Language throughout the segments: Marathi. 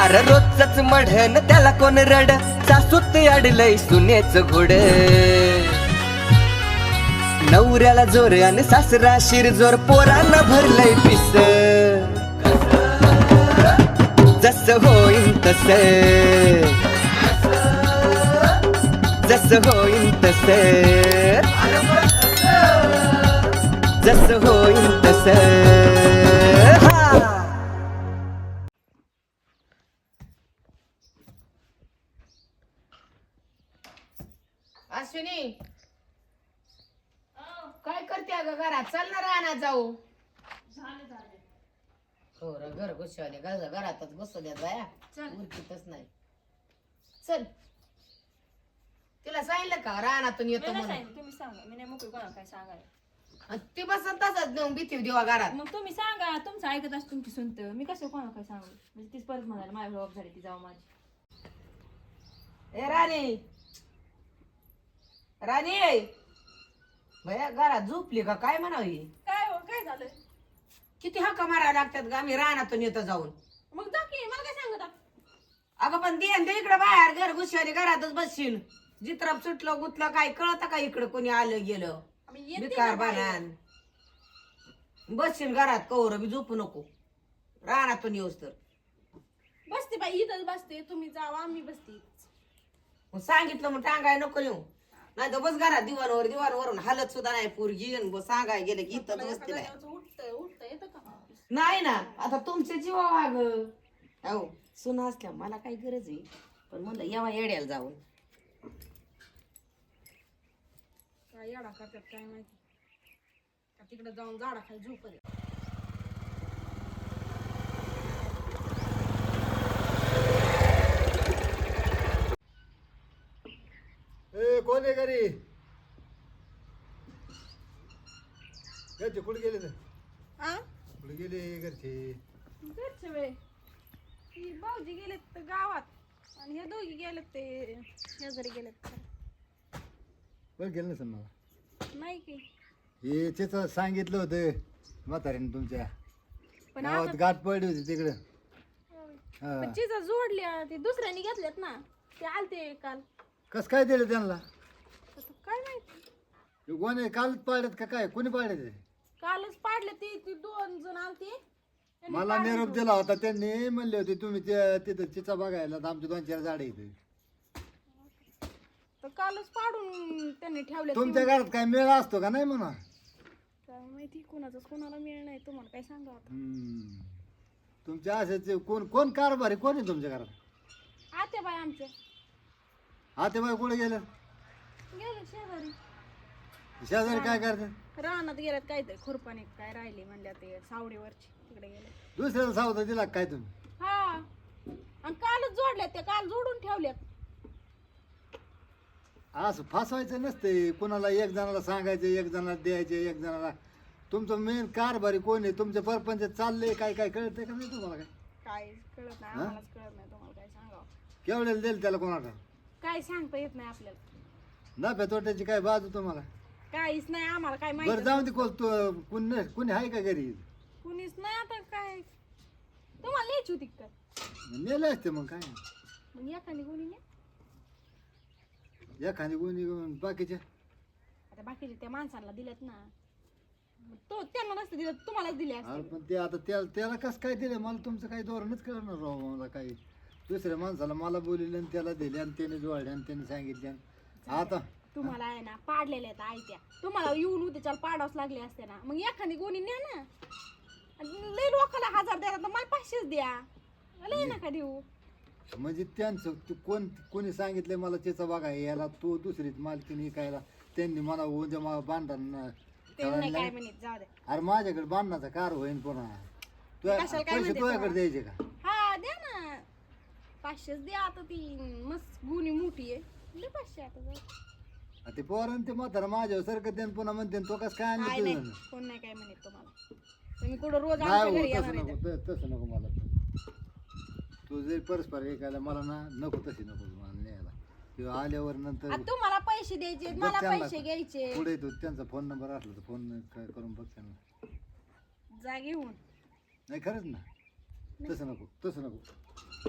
अरे रोजच मढन त्याला कोण रड सासूत अडलय सुनेच घोड नवऱ्याला जोर आणि सासरा शिरजोर पोरांना भरलंय पिस जस होईन तस जस होईन तस जस होईन तस अश्विनी काय करते अगं घरात चल ना राहणार जाऊ हो र घर घुसवले घरातच घुसू द्या बाया उरकीतच नाही चल तिला सांगितलं का रानातून येतो म्हणून तुम्ही सांगा मी नाही मोकळी कोणाला काय सांगायला ती बसन तसंच नेऊन भीती देवा घरात मग तुम्ही सांगा तुमचं ऐकत असं तुमची सुनत मी कसं कोणाला काय सांगू म्हणजे तीच परत म्हणाला माझी जबाब झाली ती जाऊ माझी ए राणी राणी भया घरात झोपली का काय म्हणावी काय हो काय झालं किती हक्का मारायला लागतात ग आम्ही रानातून येतो जाऊन मग जा की मला काय सांगत अगं पण ते इकडे बाहेर घर घुसवारी घरातच बसशील जित्राप सुटलं गुतलं काय कळत का इकडं कोणी आलं गेलं बिकार बाणान बसशील घरात कवर बी झोपू नको रानातून येऊस तर बसते बाई इथंच बसते तुम्ही जावा मी बसते मग सांगितलं मग टांगाय नको येऊ नाही तर बस घरात दिवाणवरून हालत सुद्धा नाही पोरगी सांगाय गेलं की इथं बसते नाही उठत येतं का नाही ना आता तुमचे जीवा वाग हो सुना असल्या मला काही गरज आहे पण म्हणलं येवा येड्याला जाऊन काय येडा करतात काय माहिती का तिकडे जाऊन झाडा खाली झोप ए कोण आहे घरी घरचे कुठे गेले तर कुठे गेले घरचे घरचे वे ती भाऊजी गेलेत गावात आणि हे दोघी गेलेत ते शेजारी गेलेत बरं गेलं नसेल मला नाही की हे त्याचं सांगितलं होतं म्हाताऱ्याने तुमच्या पण गावात गाठ पडली होती तिकडं हा पण चिजा जोडल्या ते दुसऱ्यानी घेतल्यात ना ते आलते काल कसं काय दिलं त्यांना आता काय माहिती कोणी कालच पाडत का काय कोणी पाडत कालच पाडले ते दोन जण आलते त्यांनी मला निरोप दिला होता त्यांनी म्हणले होते तुम्ही तिथं चिचा बघायला तर आमचे 2-4 झाडे इथे तर कालच पाडून त्यांनी ठेवले तुमच्या घरात काय मेळा असतो का नाही म्हणा काय माहिती कोणाचं कोणाला मिळ नाही तुम्हाला काय सांगा आता तुमच्या असेच कोण कारभारी कोण आहे तुमच्या घरात आते बाय आमचे आते बाई कुठे गेलं गेले शेजारी शेजारी काय करतात रानात गेल्यात काय ते खुरपाने काय राहिले म्हणल्या ते सावडीवरची तिकडे गेले दुसऱ्याला सावधा दिला काय तुम्ही हा आणि कालच जोडल्यात ते काल जोडून ठेवल्यात असं फासवायचं नसते कोणाला एक जणाला सांगायचं एक जणाला द्यायचे एक जणाला तुमचं मेन कारभारी कोण आहे तुमचे परपंच चालले काय काय कळतंय का नाही तुम्हाला काय काय कळत नाही आम्हालाच कळत नाही तुम्हाला काय सांगावं केवढ्याला देईल त्याला कोणाला काय सांगता येत नाही आपल्याला नफ्या तोट्याची काय बाजू तुम्हाला काहीच नाही आम्हाला काय बरं माहिती जाऊ दे कुणी आहे का घरी कुणीच नाही आता काय तुम्हाला न्यायची होती का नेले असते मग काय मग एखादी कोणी नाही एखादी कोणी बाकीच्या आता बाकीचे त्या माणसांना दिल्यात ना मग तो त्यांना नसते दिलं तुम्हालाच दिले अरे असते पण ते आता त्याला कसं काय दिलं मला तुमचं काही धोरणच कळणार राव मला काही दुसऱ्या माणसाला मला बोलले आणि त्याला दिले आणि त्याने जोडले आणि त्याने सांगितले आता तुम्हाला आहे ना पाडलेल्या आहेत आयत्या तुम्हाला येऊन उद्याच्याला पाडावच लागले असते ना मग एखादी कोणी न्या ना आणि लई लोकाला 1000 द्या तर मला 500 द्या लई नका देऊ म्हणजे त्यांचं कोणी सांगितलं मला त्याचा बघा याला तो दुसरीच मालकीने कायला त्यांनी मला उद्या मला बांधणार त्यांनी काय म्हणत जाऊ दे अरे माझ्याकडे बांधण्याचा कार होईन पुन्हा कशाला काय पैसे म्हणते तुझ्याकडे द्यायचे का हा द्या ना 500 द्या आता ती मस्त गुणी मोठी आहे दे 500 आता जाऊ ते पोरण ते म्हातारा माझ्यावर सारखं त्यानं पुन्हा म्हणते तो कसं काय काय आणलं नाही तुझं कोण नाही काय म्हणत तुम्हाला तुम्ही कुठं रोज नाही आमच्या हो घरी तसं येणार नको तसं नको मला तू जरी परस्पर ऐकायला मला ना नको तशी नको मला न्यायला किंवा आल्यावर नंतर आता तुम्हाला पैसे द्यायचे मला बघ पैसे घ्यायचे पुढे तो त्यांचा फोन नंबर असला तर फोन करून बघ त्यांना जा घेऊन नाही खरंच ना तसं नको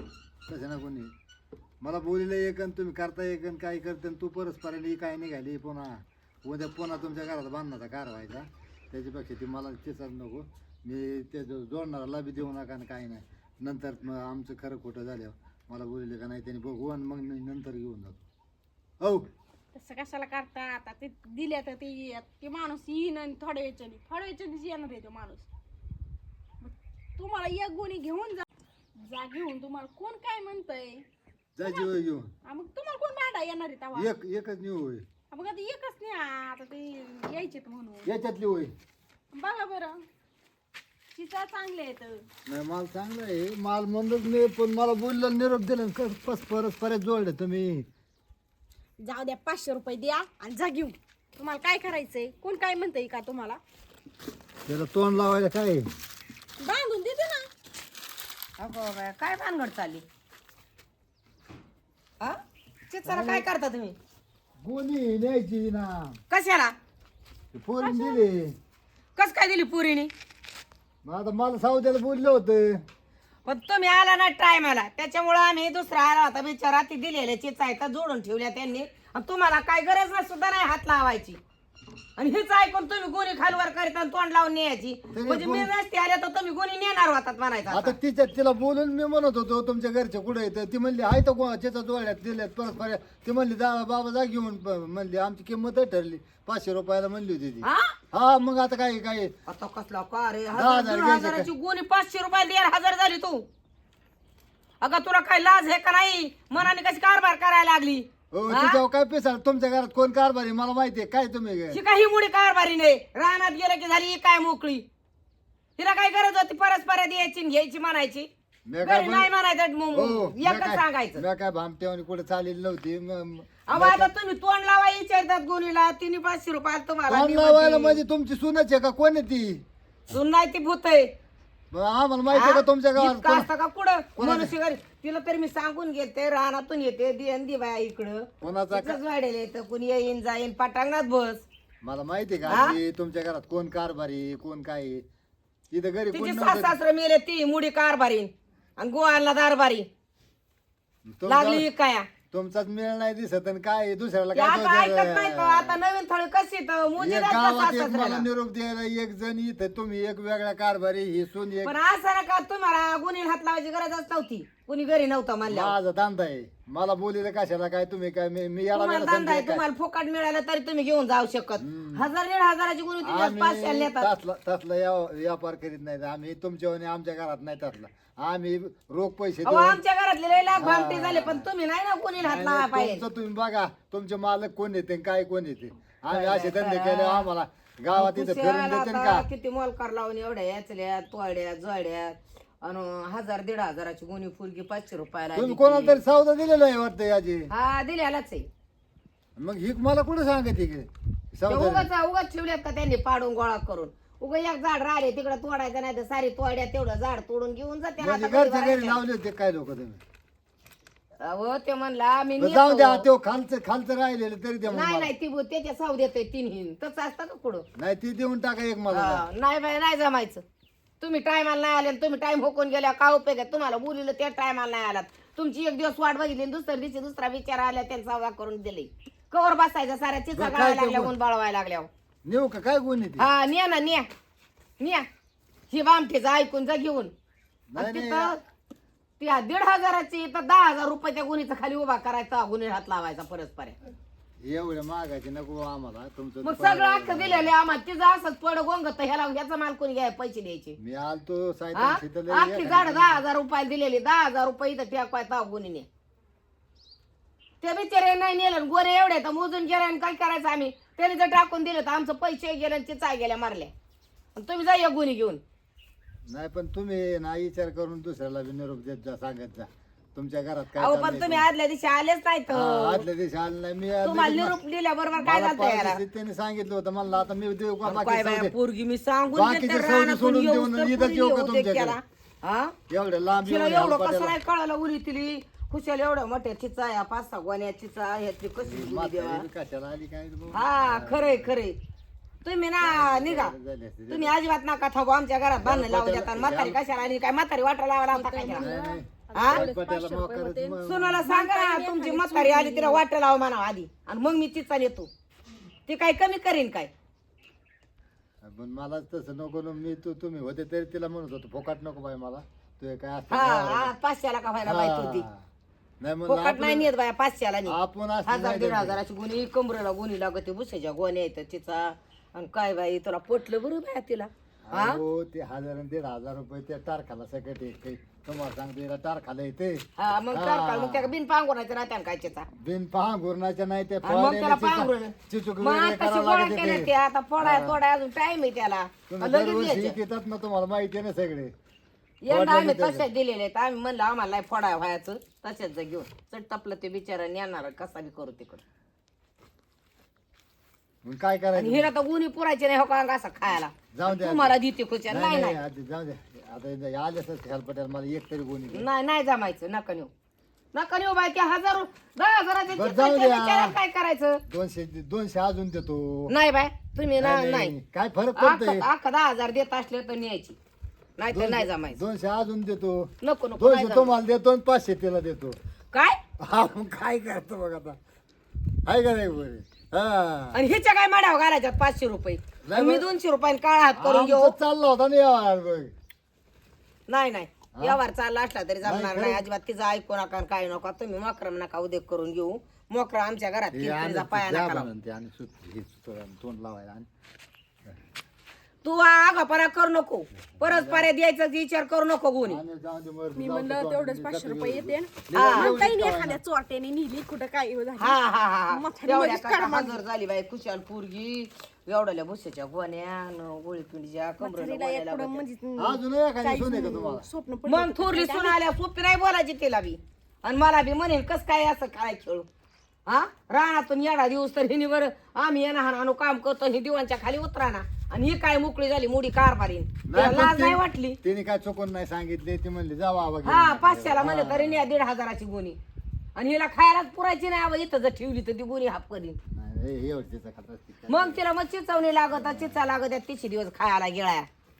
तसं ना कोणी मला बोलिलं एक आणि तुम्ही करता एक आणि काय करते आणि तू परस्पराने काय निघाली पुन्हा उद्या पुन्हा तुमच्या घरात बांधण्याचा कार व्हायचा त्याच्यापेक्षा ती मला तिचाच नको मी ते जोडणाराला बी देऊ नका आणि काय नाही नंतर मग आमचं खरं खोटं झाल्यावर मला बोलले का नाही त्यांनी बघू आणि मग मी नंतर घेऊन जातो हो तसं कशाला करता आता ते दिले तर ते माणूस येईन आणि थोड्या वेळच्यानीच येणार आहे तो माणूस मग तुम्हाला एक गोणी घेऊन जा घेऊन तुम्हाला कोण काय म्हणतंय जा जीव घेऊन मग तुम्हाला कोण भांडा येणार आहे तेव्हा एकच नेऊ होय मग आता एकच नाही आता ते यायचे म्हणून याच्यातली होय बघा बरं चिचा चांगले आहेत नाही माल चांगला आहे माल म्हणत नाही पण मला बोललं निरोप दिला परत जोडले तुम्ही जाऊ द्या 500 रुपये द्या आणि जा घेऊन तुम्हाला काय करायचंय कोण काय म्हणतंय का तुम्हाला त्याला तोंड लावायला काय बांधून देते ना अगो बाया, काय भानगड चालली हा चिचाला काय करता तुम्ही गोणी न्यायची ना कशाला फोन दिले कस काय दिली पुरीनी मग आता मला सावत्याला बोललं होतं पण तुम्ही आला ना टायमाला त्याच्यामुळे आम्ही दुसरा आला होता बिचारा ती दिलेल्या चिचायता जोडून ठेवल्या त्यांनी आणि तुम्हाला काय गरज नाही सुद्धा नाही हात लावायची आणि हेच ऐकून तुम्ही गोणी खालवर करीत आणि तोंड लावून न्यायची म्हणजे मी नसते आल्या तर तुम्ही गोणी नेणार होतात म्हणायचं आता तिला बोलून मी म्हणत होतो तुमच्या घरचे कुठे येतं ती म्हणली आहे तर त्याचा जोड्यात दिल्यात परत ती म्हणली बाबा जा घेऊन म्हणली आमची किंमत ठरली 500 रुपयाला म्हणली होती ती हा हा मग आता काय काय आता कसला का रे 10,000 घ्यायचे हजाराची गोणी 500 रुपयाला 1,500 झाली तू अगं तुला काय लाज आहे का नाही मनाने कशी कारभार करायला लागली हो तिच्यावर काय पेसाल तुमच्या घरात कोण कारभारी मला माहिती आहे काय तुम्ही ही काही मुडी कारभारी नाही रानात गेलं की झाली ही काय मोकळी तिला काय गरज होती परस्पर द्यायची आणि घ्यायची म्हणायची मी काय घरी नाही म्हणायचं हो एकच सांगायचं मी काय भामटेवानी कुठे चालेली नव्हती अहो आता तुम्ही तोंड लावा विचारतात गोणीला तिने 500 रुपयाला तुम्हाला तोंड लावायला म्हणजे तुमची सुनच आहे का कोण आहे ती सुन नाही ती भूत आहे मग आम्हाला माहिती आहे का तुमच्या गावात इतकं असतं का कुठं मनुष्य घरी तिला तरी मी सांगून घेते रानातून येते दि बाया इकडं कोणाचा तिथंच वाढेल येतं कुणी येईन जाईन पटांगणात बस मला माहिती आहे का आजी, तुमच्या घरात कोण कारभारी कोण काय आहे? तिथं घरी कोण तिची नव्हतं. सासरा मेले ती मुडी कारभारी आणि गोवाला दारबारी लागली काय तुमचाच मेळ नाही दिसत आणि काय आहे? दुसऱ्याला ते काय आता ऐकत नाही दोष तो आहे? आता नवीन थळ कशी तर मुजी एक नाही का गावात एक मला सासऱ्याला? निरोप द्यायला एक जण इथं तुम्ही एक वेगळ्या कारभारी ही सून एक पण असं ना का तुम्हाला गुन्हे हात लावायची गरजच नव्हती कुणी घरी नव्हतं म्हणल्यावर माझा धंदा आहे मला बोलीला कशाला काय तुम्ही काय मी याला तुम्हाला वेळा धंदा आहे समजेल काय? तुम्हाला फुकट मिळालं तरी तुम्ही घेऊन जाऊ शकत 1,000-1,500ची गुन्हे तुम्ही 500 आम्ही नेतात तसला व्यापार करीत नाही आम्ही तुमच्या आमच्या घरात नाही तसला आम्ही रोख पैसे अहो देऊन आमच्या घरातले लय लाख भामटे झाले पण तुम्ही नाही ना कोणी हात लावा नाही, पाहिजे तुमचं तुम्ही बघा तुमचे मालक कोण येते आणि काय कोण येते आम्ही असे धंदे केले आम्हाला गावात इथं फिरून कुशाला देते आता का किती मोलकार लावून एवढ्या याचल्या तोड्या जोड्या आणि 1,000-1,500ची गुन्हे फुलकी 500 रुपयाला तुम्ही देते. कोणाला तरी सौदा दिलेला आहे वाटतं याची हा दिल्यालाच आहे मग ही मला कुठं सांगत की सौदा उगाच ठेवल्यात का त्यांनी पाडून गोळा करून उगा एक झाड राहिले तिकडे तोडायचं नाही तर सारी तोड्या तेवढं झाड तोडून घेऊन जाते म्हणजे आता घरच्या घरी घरी लावले होते काय लोक तुम्ही अहो ते म्हणला मी बरं, जाऊ नेतो. द्या तो खालचं राहिलेलं तरी द्या नाही मला नाही ती त्याच्या साव देतोय तिन्ही तसं असतं का कुठं नाही ती देऊन टाका एक मला हा, नाही बाई नाही जमायचं तुम्ही टायमाला नाही आले आणि तुम्ही टाइम होकून गेल्या का उपयोग आहे तुम्हाला बोलिलं त्या टायमाला नाही आलात तुमची एक दिवस वाट बघितली आणि दुसऱ्या दिवशी दुसरा विचार आल्या त्यांचा सौदा करून दिले कवर बसायचं साऱ्या चिचा बरं, काय गाळायला ते लागल्या बोल. ऊन बाळवायला लागल्यावर नेऊ का काय गुन्हे ती हा न्या ना न्या ही बामठीचं ऐकून जा घेऊन नाही, आणि नाही. तिथं त्या 1,500ची तर 10,000 रुपयाच्या गुन्हेचा खाली उभा करायचा गुन्हे हात लावायचा परस्पर एवढ्या मागायचे नको आम्हाला तुमचं मग सगळं अख्खं दिलेलं आम्हाला तिचं असंच पड गोंगत ह्याचा माल कोणी घ्याय पैसे द्यायचे मी आलतो हा? साहित्य शीतल अख्खी झाड 10,000 रुपयाला दिलेली 10,000 रुपये इथं ठेकवायचा गुन्हे ते बिचारे नाही नेलं गोरे एवढे तर मोजून गेले आणि काय करायचं आम्ही त्याने जर टाकून दिलं तर आमचं पैसे गेले आणि चिचा गेल्या मारल्या आणि तुम्ही जा एक गुन्हे घेऊन नाही पण तुम्ही ना विचार करून दुसऱ्याला बी निरोप देत जा सांगत जा तुमच्या घरात काय अहो चाललंय पण ते. तुम्ही आदल्या दिवशी आलेच नाही हा, तर आदल्या दिवशी आलं नाही मी आदल्या तुम्हाला दिवशी निरोप दिल्याबरोबर काय मला झालं याला पाहिजे त्यांनी सांगितलं होतं मला आता मी देऊ का काय बाकी बाया सौदे? पोरगी मी सांगून बाकीचे देते, सौदे रानातून सोडून येऊस देऊन तर इथंच पोरगी येऊ का येऊ दे तुमच्याकडे? त्याला. हा? एवढ्या लांब तिला येऊन एवढं कसं हेलपाट्याला. नाही कळालं उरी तिली खुशाल एवढ्या मोठ्या चिचा या 5-6 गोण्या चिचा ह्याची कशी गुली देवा म्हातारी कशाला आली काय रे भाऊ? हा खरंय खरंय तुम्ही ना निघा झाली असती. तुम्ही अजिबात नका थांबू आमच्या घरात बांधणं लावू देता म्हातारी कशाला आणि काय म्हातारी वाटा लावा लावता काय त्याला? नाही, नाही. हा पट्याला मोकारच सुनाला सांगा ना तुमची म्हातारी आली तिला वाट लावा म्हणा आधी आणि मग मी तिचा नेतो ती काय कमी करीन काय पण मला तसं नको ना, मी तुम्ही होते तरी तिला म्हणत होतो फोकाट नको बाई मला तू काय हा असतं हा 500ला का व्हायला बाई होती नाही म्हणलं फुकट नाही नेत बाया 500ला नाही आपण असं 1000-1500ची गुणी कमरेला गुणी लागते भुसाच्या गोण्या येतात तिचा आणि काय बाई तुला पोटलं बरं बाया तिला हा हो ते 1000 आणि 1500 रुपये त्या टारखाला सकट येते तुम्हाला सांगते याला टारखाला येते हा मग काय मग त्या बिन पांगोरायचं राहत्या काय त्याचा बिन पहा घुरणाच्या नाही ते आणि मग त्याला पांघरून चिचूक मग वगैरे आताशी करावं गोळा लागते केल्या ते. ते आता फोडाय अजून टाइम आहे त्याला तुम्ही लगेच दरवर्षी द्यायचं. येतात ना तुम्हाला माहिती आहे ना सगळे यंदा आम्ही तशाच दिलेले आहेत आम्ही म्हणलं आम्हाला फोडाय व्हायचं तशाच जा घेऊन चट टपलं ते बिचारा नेणार कसा बी करू तिकडं मग काय आणि करायचं हिला तर गुणी पुरायचे नाही हो का असं खायला जाऊ द्या तुम्हाला देते खुच्या नाही नाही नाही नाही आधी जाऊ द्या आता आलेच हेल्पटेल मला एक तरी कोणी दे. नाही नाही जमायचं नका नेऊ नका नेऊ बाई त्या 10,000-10,000चे बरं, चित्र जाऊ त्या द्या. बिचाऱ्याला काय करायचं 200 अजून देतो नाही बाय तुम्ही नाही काय फरक पडतोय अख्खा 10,000 देत असले तर न्यायची नाही तर नाही जमायचं 200 अजून देतो नको नको नाही 200 जमायचं. तुम्हाला देतो आणि 500 तिला देतो काय हा मग काय करतो बघ आता आहे का नाही बरे हा आणि ह्याच्या काय माड्यावर घालायच्यात 500 रुपये नाही मी बरं. 200 रुपये काळा हात करून घेऊ आमचं चालला होता ना यार बघ नाही नाही व्यवहार चालला असला तरी जमणार नाही, नाही खरं. अजिबात तिचं ऐकू नका आणि काय नका तुम्ही मोकरम नका उद्योग करून घेऊ मोकरा आमच्या घरात हे किरकिरीचा आणि पाया द्या नका लावू. म्हणते आणि हे सुतळं आणि तोंड लावायला आणि तू आगापणा करू नको परस्पर द्यायचा विचार करू नको गुणी आणि जाऊ दे मर, मी जाऊ दे, म्हणलं जाऊ दे, तेवढंच जाऊ 500 दे, रुपये जाऊ दे. येते हा. म्हणता येईल एखाद्या चोरट्याने नेली कुठं काय झालं. हा हा हा हा म्हातारी एवढ्या मध्येच काय काढ मागं. हजर झाली बाई कुशाल पोरगी एवढ्या भुस्याच्या गोण्या गोळी पिंडीच्या म्हातारीला एक पुढं म्हणजे अजून एखादी सून आहे का तुम्हाला स्वप्न पडलं मग थोरली सून आल्या सोपी नाही बोलायची तिला बी आणि मला बी म्हणेन कस काय असं काय खेळू हा रानातून येडा दिवस तर हिनी वर आम्ही येणार आणू काम करतो ही दिवांच्या खाली उतराना आणि ही काय मोकळी झाली मोडी कारभारी तिला पण लाज ते- नाही वाटली तिने काय चुकून नाही सांगितले ती म्हणली जावा आवा घेऊन. हा 500ला म्हणले तरी न्या 1,500ची गुणी आणि हिला खायलाच पुरायची नाही आवा इथं जर ठेवली तर ती गुणी हाप करीन नाही हे एवढीचं खात असते काय. मग तिला मग चिचवणी लागत चिचा लागत त्या 30 दिवस खायला गिळाया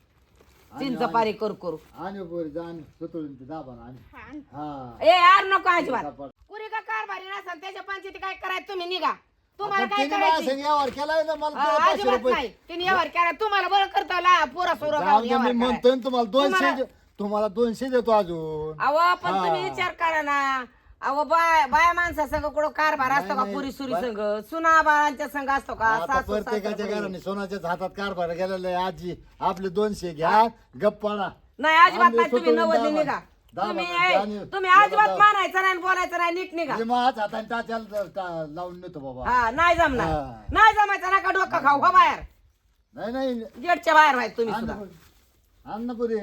चिंच पारी करू करू आणि पोरी जाण सुतळून ते दाबा ना आणि हा ए यार नको अजिबात दाबा. पुरी का कारभारी नसाल त्याच्या पंचायती काय करायचं तुम्ही निघा तुम्हाला पण काय तिने माझ्या करायचं संग व्यवहार केलाय ना मला तो 500 अजिबात रुपये नाही तिने व्यवहार केला तुम्हाला बरं करता ला पोरा सोरा जाऊ दे, मी म्हणतोय ना तुम्हाला 200 तुम्हाला 200 देतो अजून अहो पण तुम्ही विचार करा ना अहो बाया माणसा संग कुठं कारभार असतो का नाही, पुरी सुरी संघ सुना बाळांच्या संघ असतो का आता सासू प्रत्येकाच्या सासरा घराने सोनाच्याच हातात कारभार गेलेला आहे आजी आपले 200 घ्या गप्पाना नाही अजिबात आम्ही नाही तुम्ही सुटून नवदली दाबा. निघा दाबा, तुम्ही दाबा. तुम्ही दाबा, अजिबात दाबा. मानायचं नाही आणि बोलायचं नाही नीट निघा हे माझ हाताने टाच्याला लावून नेतो बाबा हा नाही जमणार हा. नाही जमायचं नका डोकं खाऊ हो बाहेर नाही नाही गेटच्या बाहेर व्हायचं तुम्ही सुद्धा अन्नपुरी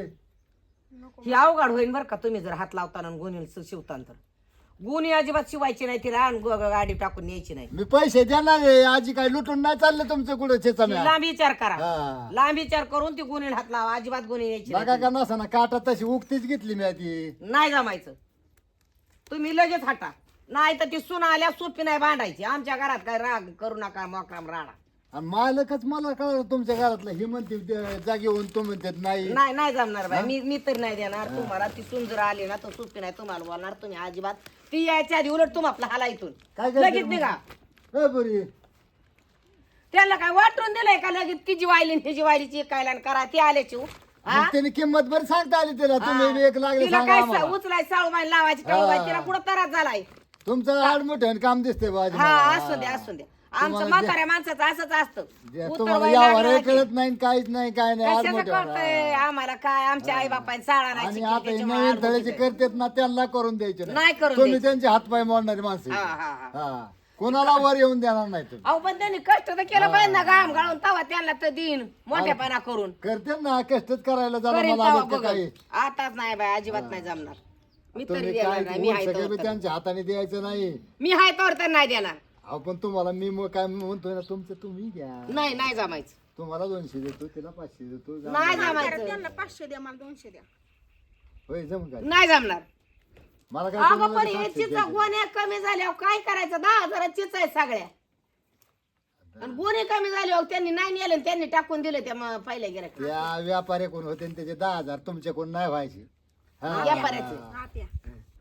ही अवघड होईल बरं का तुम्ही जर हात लावताना आणि गुन्हे शिवताना तर गुन्हे अजिबात शिवायची नाही तिला आणि गाडी टाकून न्यायची नाही मी पैसे देणार आहे आजी काय लुटून नाही चालले तुमचं कुठं चेचा ती लांब विचार करा हा. लांब विचार करून ती गुन्हे हात लावा अजिबात गुन्हे न्यायची बघा नाही. का नसा ना काटा तशी उगतीच घेतली मी ती नाही जमायचं तुम्ही लगेच हटा नाही तर ती सुना आल्या सोपी नाही भांडायची आमच्या घरात काय राग करू नका मोकराम राडा आणि मालकच मला कळलं तुमच्या घरातलं ही म्हणते जागी होऊन तो म्हणतात नाही नाही नाही जमणार बाई मी तर नाही देणार तुम्हाला ती सुन जर आली ना तर सोपी नाही तुम्हाला बोलणार तुम्ही अजिबात ती यायच्या आधी उलट तुम्हाला हाला इथून काय करते लगेच मग? निघा ए पुरी त्याला काय वाटून दिलंय का लगेच तिची वायली तिची वायलीची कायला आणि करा ती आल्याची हा? मग त्याने किंमत बरी सांगता आली तिला तुम्ही बी एक लागले तिला सांगा काय आम्हाला. उचलाय साळूबाई लावायची टाळूबाई तिला कुठं त्रास झालाय तुमचं हाड मोठं काम दिसते बाजी हा असू द्या असू द्या आमचं म्हाताऱ्या माणसाचं असंच असतं तुम्हाला उतरवाई यावर लागलं की कळत नाही काहीच नाही काय नाही हाड कशाचं मोठे कळतंय आम्हाला काय आमच्या आई बापाने साळा नाही आणि शिकली, आता हे त्याच्यामुळे नवीन आडमुठी तळ्याचे आहे. करतात ना त्यांना करून द्यायचे नाही करून तुम्ही द्यायचे. त्यांचे हातपाय मोडणारी माणसं हा, आहे. हा, हा. हा कोणाला वर येऊन देणार नाही तुम्ही अहो पण त्यांनी कष्ट तर केलं पाहिजे ना घाम गाळून तवा त्यांना तर देईन मोठेपणा करून करते ना कष्टच करायला जरा करीन मला तवा आलं तर बघल. काही आताच नाही बाय अजिबात नाही जमणार मी तरी तुम्ही देणार काय नाही मी हाय सगळे तोवर बी तर. त्यांच्या हाताने द्यायचं नाही मी हाय तोवर तर नाही देणार अहो पण तुम्हाला मी मग काय म्हणतोय ना तुमचं तुम्ही घ्या नाही नाही जमायचं तुम्हाला 200 देतो तिला 500 देतो जा. नाही त्यांना जमायचं 500 द्या मला 200 द्या. होय जम काय नाही जमणार मला काय अगं तुम्हाला पण बी हे 700 चिचा द्यायचे. गोण्या कमी झाल्यावर काय करायचं 10,000 चिचा आहे सगळ्या आणि गोणे कमी झाल्यावर त्यांनी नाही नेले आणि त्यांनी टाकून दिले त्या पहिल्या गिऱ्हाईक त्या व्यापारी कोण होते आणि त्याचे 10,000 तुमच्याकडून नाही व्हायचे हा. व्यापाऱ्याचे हा त्या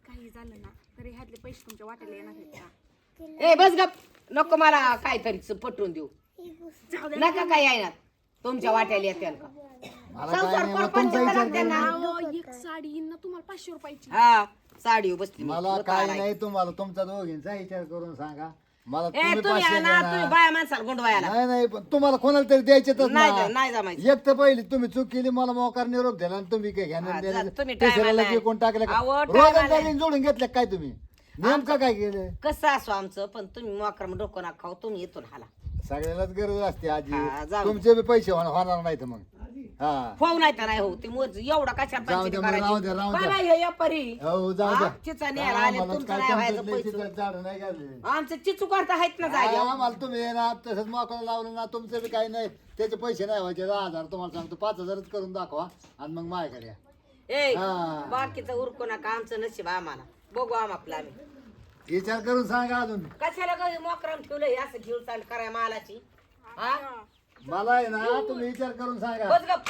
झालं ना तरी ह्यातले पैसे तुमच्या वाट्याला येणार आहेत का? ए बस गप, नको मला काहीतरी पटवून देऊ, जाऊ दे. नका काय येणार तुमच्या वाट्याला येतील का? मला काय संसार नाही, मग परपंच तुमचा विचार लागते ना. अहो, एक साडी येईन ना तुम्हाला 500 रुपयाची. हा साडी बसली मला काय नाही, तुम्हाला तुमचा दोघींचा विचार करून सांगा. मला ए तुम्ही तुम्ही 500 आहे ना, तुम्ही द्या. बाया माणसाला गुंडवायला नाही नाही, पण तुम्हाला कोणाला तरी द्यायचे तर नाही जमायचं. एक तर पहिली तुम्ही चूक केली, मला मोकार निरोप दिला आणि तुम्ही काय हा, घेणार जा, तुम्ही तिसऱ्याला टायमाला जे कोण टाकलं का? अहो, रोजंदारीने टायमाला. जोडून घेतलं काय तुम्ही? नेमकं काय केलं? कसं असो आमचं, पण तुम्ही मोकरम डोकं ना खाऊ, तुम्ही इथून हाला सगळ्यालाच गरज असते हा, आजी, जाऊ. तुमचे बी पैसे होणार नाहीत मग. हा हो नाही तर नाही हो, ते मोज एवढा कशा जाऊ दे, मग राहू दे, राहू दे. व्यापारी हो जाऊ द्या. चिचा न्यायला आले, आम्हाला तुमचं काय नाही व्हायचं तुमचं लय पैसे. चिचट झाडं नाही घातले. आमचं चिचू करता आहेत ना जागे. आम्हाला तुम्ही ना तसंच मोकळं लावलं ना, तुमचं बी काही नाही, त्याचे पैसे नाही व्हायचे. 10,000 तुम्हाला सांगतो, 5,000च करून दाखवा आणि मग माझ्याकडे या. ए हा. बाकीचं उरकू नका, आमचं नशीब आम्हाला बघू आम्हाला आम्ही. विचार करून सांगा अजून. कशाला कधी मोकरम ठेवलंय असं घेऊन चाल कराय मालाची. हा मला आहे ना, तुम्ही विचार करून सांगा. बस गप,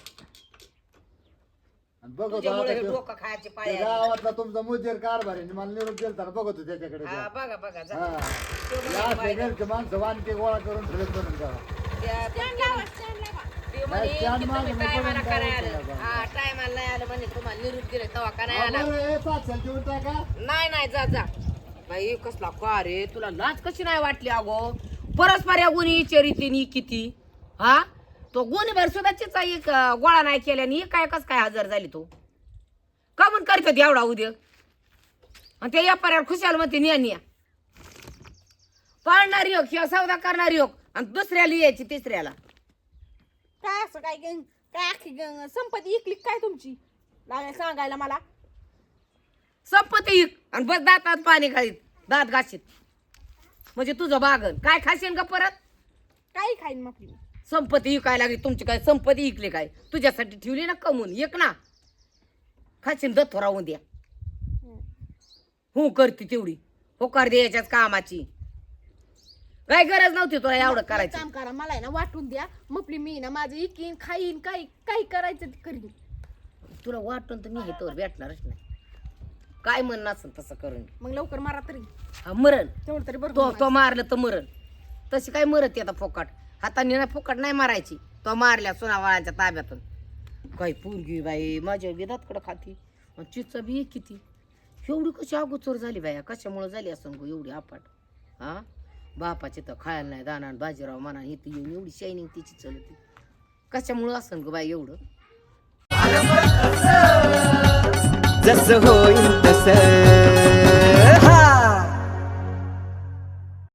आणि बघतो तुझ्यामुळे आता हे तो- डोकं खायची ते पाळी आली. गावातला तुमचा मुद्देर कारभार आहे, मला निरोप दिला तर बघतो त्याच्याकडे. हा बघा बघा जा. हा. तो म्हणे या असे बायला- घरचे माणसं वानके गोळा करून ठेवत बनून जावा. त्या- Stand लावा, stand लावा. ते म्हणे नाही, stand की मागं तुम्ही मी टायमाला पडून करायला जायचं आलं. बाबा. हा टायमाला नाही आलं म्हणे, तुम्हाला निरोप दिले तेव्हा का नाही आला. बरं, हे 500 देऊन टाका. नाही जा जा बाई, कसला का रे, तुला लाज कशी नाही वाटली अगो? परस्पर या गुन्हे विचारिते किती. हा तो गुन्हेभर सुद्धा चिचा एक गोळा नाही केल्याने काय कस काय हजर झाली तो का म्हणून करतात एवढा उद्या? आणि ते व्यापाऱ्यावर खुशाल म्हणते निया पाळणारी योग किंवा सौदा करणारी योग आणि दुसऱ्याला यायची तिसऱ्याला. काय असं काय काय अख्खी संपत्ती इकली काय तुमची लागल्या सांगायला मला? संपत्ती इक आणि बस दातात पाणी खालीत, दात घाशीत म्हणजे तुझं बागन काय खाशीन का परत? काही खाईन मग आपली. संपत्ती इकायला लागली तुमची, काय संपत्ती इकली काय? तुझ्यासाठी ठेवली ना कमवून, एक ना खाशीन दत्त राहून द्या. हो करते तेवढी होकार द्यायच्याच कामाची काय गरज नव्हती तुला एवढं एक करायचं. काम करा, मला आहे ना वाटून द्या, मपली मी ना माझं इकीन खाईन, काही काही करायचं ते करीन. तुला वाटून तर मी हे तोवर भेटणारच नाही. काय म्हणणं असेल तसं करून मग लवकर मारा तरी, हा मरण. तेवढं तरी तो बरोबर. तो मारलं तर मरण. तशी काय मरत आता फोकाट हाताने नाही, फोकाट नाही मारायची. तो मारल्या सुनावाळांच्या ताब्यातून. काय पोरगी बाई माझ्या विधातकडं खाती आणि चिचा बी किती. एवढी कशी अगोचर झाली बाया, कशामुळे झाली असं गो एवढी अपाट? हा बापाची तर खायला नाही दाना, बाजीराव म्हणा हे ती येऊन एवढी शायनिंग तिची चलती कशामुळं असं गो बाई एवढं? जसं होईल तसं